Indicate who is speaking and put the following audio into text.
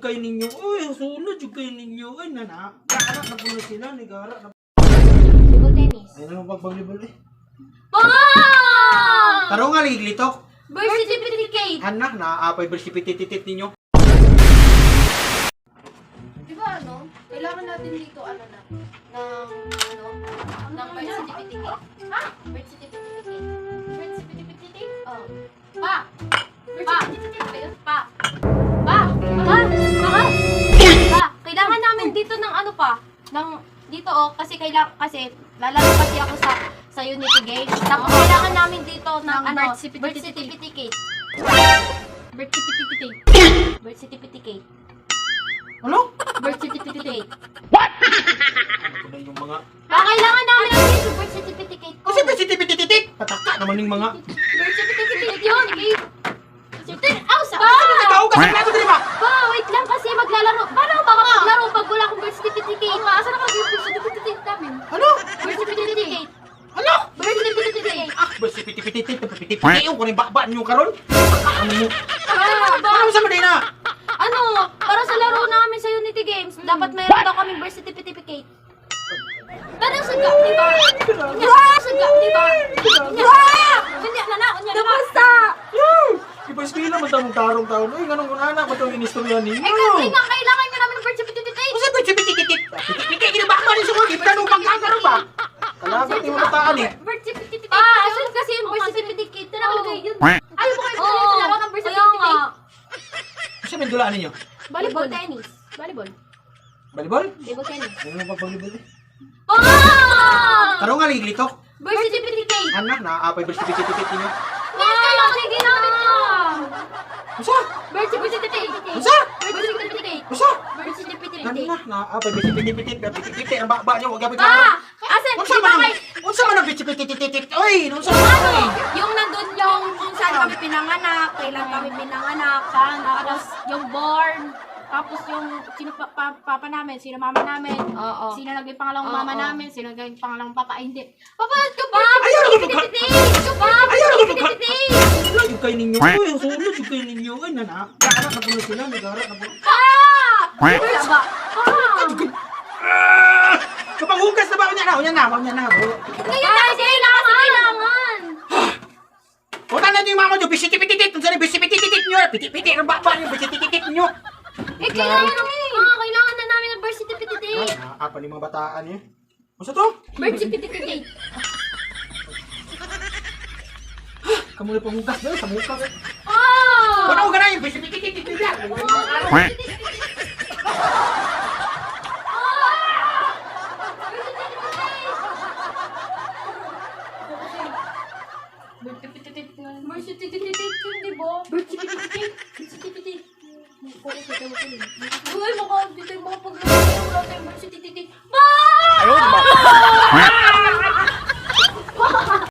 Speaker 1: kay ninyo. Uy, sunod yung kay ninyo. Ay, nana. Nakanak na po na sila. Nagara na.
Speaker 2: Table tennis.
Speaker 1: Ay, naman pag-volleyball eh.
Speaker 2: Bang!
Speaker 1: Taro nga, liglitok.
Speaker 2: Birth certificate.
Speaker 1: Anak, naaapay bersipititit ninyo.
Speaker 2: Di ba ano? Kailangan natin dito ng birth certificate. Ha? Birth certificate. Birth certificate? Oh. Pa! Birth certificate. Pa! Pa! Pa! Pa! Kailangan namin dito ng ano pa? Dito kasi lalaro kasi ako sa Unity Game. Tapos kailangan namin dito ng birth certificate. Birth certificate. Birth certificate.
Speaker 1: Ano?
Speaker 2: Birth certificate.
Speaker 1: Ano ba yung mga...
Speaker 2: Kailangan namin ng birth certificate ko.
Speaker 1: Kasi bersipititit! Pataka naman yung mga...
Speaker 2: Birth certificate yun. Sa
Speaker 1: Nagkaugas ang plato din ba?
Speaker 2: Pa, wait lang kasi maglalaro. Paano ba maglaro pag wala akong birth certificate? Asan ako yung birth certificate namin?
Speaker 1: Ano?
Speaker 2: Birth certificate.
Speaker 1: Ano?
Speaker 2: Birth certificate.
Speaker 1: Ah, bersipititit! Napipititit! Yung kunin bakbaan nyo karon. Ano mo?
Speaker 2: Ba?
Speaker 1: Ano sa Medina?
Speaker 2: Ano? Para sa laro namin sa Unity Games, dapat mayroon daw kaming birth certificate. Pero sa gap, di ba? Sa gap, di ba? Hindi, nana. Basta!
Speaker 1: Ipa-eskwila man tamong tarong-taon. Uy, ganun ko na anak. Ba't yung inistorya ninyo?
Speaker 2: Kasi nga, kailangan nyo namin ng birth certificate.
Speaker 1: Kasi bersipititit! Pitik-pitik! Ginabak man yung sumog! Ipanong pagkakaro ba? Kalabat yung mataan eh.
Speaker 2: Birth certificate. Asan kasi yung birth certificate? Nakalagay yun. Ayaw mo kayo sa laro ng birth certificate.
Speaker 1: Kasi may dulaan ninyo?
Speaker 2: Volleyball tennis. Volleyball.
Speaker 1: Volleyball?
Speaker 2: Table tennis.
Speaker 1: Ano na pag-volleyball eh?
Speaker 2: Ah!
Speaker 1: Taro nga, liglitok.
Speaker 2: Birth certificate.
Speaker 1: Anak, naaapay bersipititit ninyo.
Speaker 2: Kailangan sige namin to.
Speaker 1: Masa?
Speaker 2: Birth certificate.
Speaker 1: Masa?
Speaker 2: Birth certificate.
Speaker 1: Masa?
Speaker 2: Birth certificate.
Speaker 1: Anak, naaapay bersipititit. Pitik-pitik ang bakba nyo. Huwag gabit
Speaker 2: Pa!
Speaker 1: na.
Speaker 2: Asan?
Speaker 1: Unsa man ang... Unsa man ang bersipititit? Uy! Unsa man
Speaker 2: Ano?
Speaker 1: ang...
Speaker 2: Yung nandun yung kung saan kami pinanganak, kailan kami pinanganak, tapos yung born, tapos yung sino papa namin, sino mama namin, sino naging pangalawang mama namin, sino naging pangalawang papa, ay hindi. Papa, ka ba?
Speaker 1: Ayaw na magka... Ayaw na magka...
Speaker 2: Ayaw!
Speaker 1: Sunod yung kay ninyo. Uy, sunod yung kay ninyo. Ay, nana. Nakanak na po na sila. Nagara na po.
Speaker 2: Wala ba?
Speaker 1: Kapanghugas na ba? Unya na.
Speaker 2: Ngayon kailangan!
Speaker 1: Punta natin yung mama nyo. Bisitipititit. Unsa na bisitipititit nyo. Pitik-pitik ang bakba nyo. Bisitipititit nyo.
Speaker 2: Kailangan na namin ng birth certificate.
Speaker 1: Apa ni mga bataan eh. Masa to?
Speaker 2: Birth certificate.
Speaker 1: Kamu na panghugas doon. Sa mukha eh.
Speaker 2: Oh!
Speaker 1: Wala ko ganun yung bisitipititit nyo.
Speaker 2: Birth certificate yun, di ba? Birth certificate. Birth certificate. Uy, mukha dito